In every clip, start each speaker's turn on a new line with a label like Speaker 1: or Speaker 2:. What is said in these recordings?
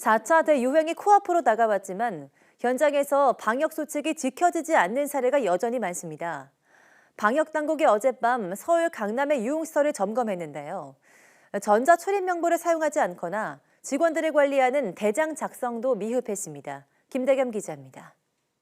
Speaker 1: 4차 대유행이 코앞으로 다가왔지만 현장에서 방역 수칙이 지켜지지 않는 사례가 여전히 많습니다. 방역당국이 어젯밤 서울 강남의 유흥시설을 점검했는데요. 전자출입 명부를 사용하지 않거나 직원들을 관리하는 대장 작성도 미흡했습니다. 김대겸 기자입니다.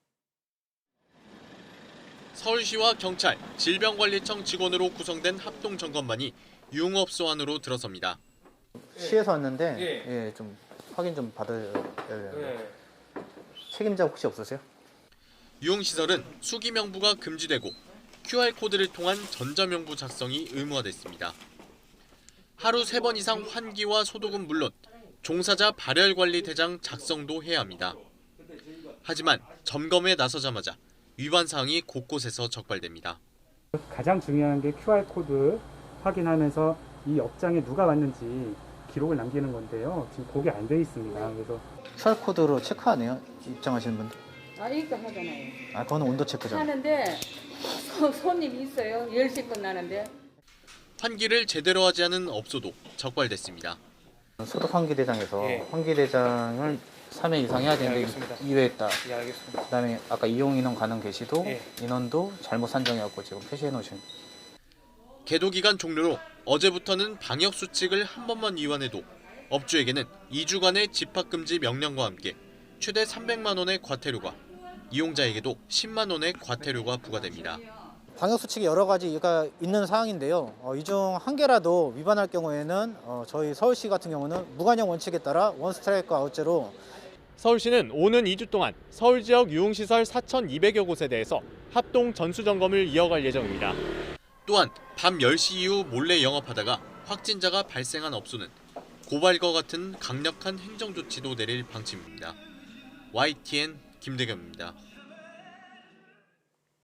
Speaker 2: 서울시와 경찰, 질병관리청 직원으로 구성된 합동점검반이 유흥업소 안으로 들어섭니다.
Speaker 3: 시에서 왔는데 예, 좀 확인 좀 받아야 되는데 책임자 혹시 없으세요?
Speaker 2: 유흥시설은 수기명부가 금지되고 QR코드를 통한 전자명부 작성이 의무화됐습니다. 하루 3번 이상 환기와 소독은 물론 종사자 발열관리 대장 작성도 해야 합니다. 하지만 점검에 나서자마자 위반 사항이 곳곳에서 적발됩니다.
Speaker 4: 가장 중요한 게 QR코드 확인하면서 이 업장에 누가 왔는지 기록을 남기는 건데요. 지금 그게 안 돼 있습니다. 그래서
Speaker 3: QR코드로 체크 안 해요? 입장하시는 분들?
Speaker 5: 이거 하잖아요.
Speaker 3: 그거는 온도 체크잖아요.
Speaker 5: 하는데 손님이 있어요. 10시 끝나는데.
Speaker 2: 환기를 제대로 하지 않은 업소도 적발됐습니다.
Speaker 3: 소독 환기대장에서 환기대장을 3회 이상 해야 되는데 2회 했다.
Speaker 6: 알겠습니다.
Speaker 3: 그다음에 아까 이용 인원 가능 게시도
Speaker 6: 예.
Speaker 3: 인원도 잘못 산정해갖고 지금 표시해 놓으신.
Speaker 2: 계도 기간 종료로 어제부터는 방역 수칙을 한 번만 위반해도 업주에게는 2주간의 집합금지 명령과 함께 최대 300만 원의 과태료가, 이용자에게도 10만 원의 과태료가 부과됩니다.
Speaker 3: 방역 수칙이 여러 가지가 있는 사항인데요. 이 중 한 개라도 위반할 경우에는 저희 서울시 같은 경우는 무관용 원칙에 따라 원 스트라이크 아웃제로.
Speaker 7: 서울시는 오는 2주 동안 서울 지역 유흥시설 4,200여 곳에 대해서 합동 전수점검을 이어갈 예정입니다.
Speaker 2: 또한 밤 10시 이후 몰래 영업하다가 확진자가 발생한 업소는 고발과 같은 강력한 행정조치도 내릴 방침입니다. YTN 김대겸입니다.